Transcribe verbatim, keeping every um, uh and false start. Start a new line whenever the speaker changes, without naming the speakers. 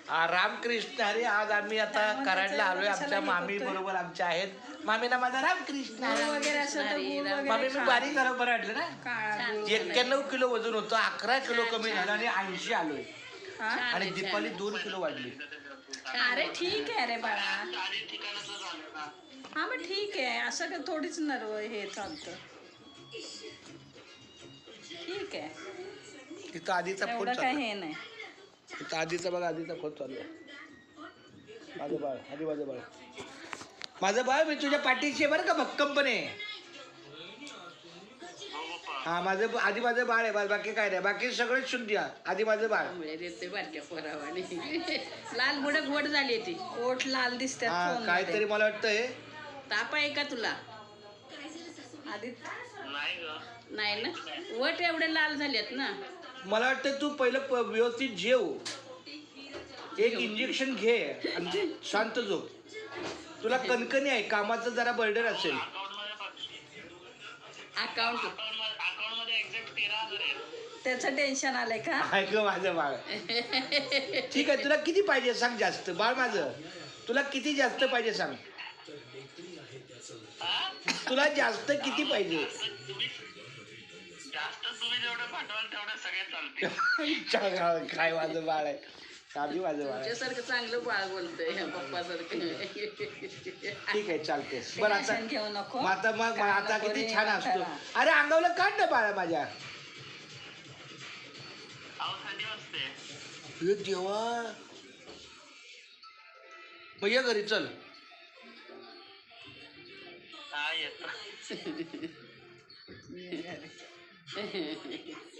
आ, रामकृष्ण हरी. आज आम्ही आता कराडला आलोय. आमच्या मामी बरोबर आमच्या आहेत. मामीला माझा रामकृष्ण
वगैरे असं तर गुळ वगैरे
मामी मी बारीक झालं बरं वाटलं ना.
काळा गुळ
एक्क्याण्णव किलो वजन होतं, अकरा किलो कमी झालं आणि ऐंशी आलोय.
हा?
आणि दीपावली दोन किलो वाढली.
अरे ठीक आहे रे बाळा. हा मग ठीक आहे, असं का थोडीच नर्व हे चालतं. ठीक आहे,
तिथं आधीचा फोन
एवढं काय
चालू
हे नाही.
तिथं आधीचा बघा, आधीचा फोन चालू आहे. माझं बाळ, आधी माझं बाळ, माझं बाळ मी तुझ्या पाठीशी आहे बरं का, भक्कमपणे. हा माझं आधी माझं बाळ आहे, बाकी काय नाही, बाकी सगळं शुद्ध. आधी माझं बाळ
बारक्या पोरावानी लाल मुडक गोड झाली ती, ओठ लाल दिसतात.
हा काहीतरी मला वाटतंय
ताप आहे का तुला? आधी नाही ना, वट एवढे लाल झालेत ना.
मला वाटतं तू पहिलं प- व्यवस्थित जेव, एक इंजेक्शन घे आणि शांत झोप. तुला कणकणी आहे, कामाचं जरा बर्डन असेल.
अकाउंट त्याचं टेन्शन आलंय का?
ऐक माझं बाळ, ठीक आहे. तुला किती पाहिजे सांग जास्त, बाळ माझं. तुला किती जास्त पाहिजे सांग, तुला जास्त किती पाहिजे? काय माझं बाळ आहे, आधी माझं बाळ आहे.
सारखं चांगलं बाळ बोलतोय पप्पा सारखं.
ठीक आहे, चालते. बरं आता
घेऊ नको.
मग आता मग आता किती छान असतो. अरे अंगावलं काढ ना बाळा माझ्या. हे देवा, मग ये घरी चल.
हा येतो.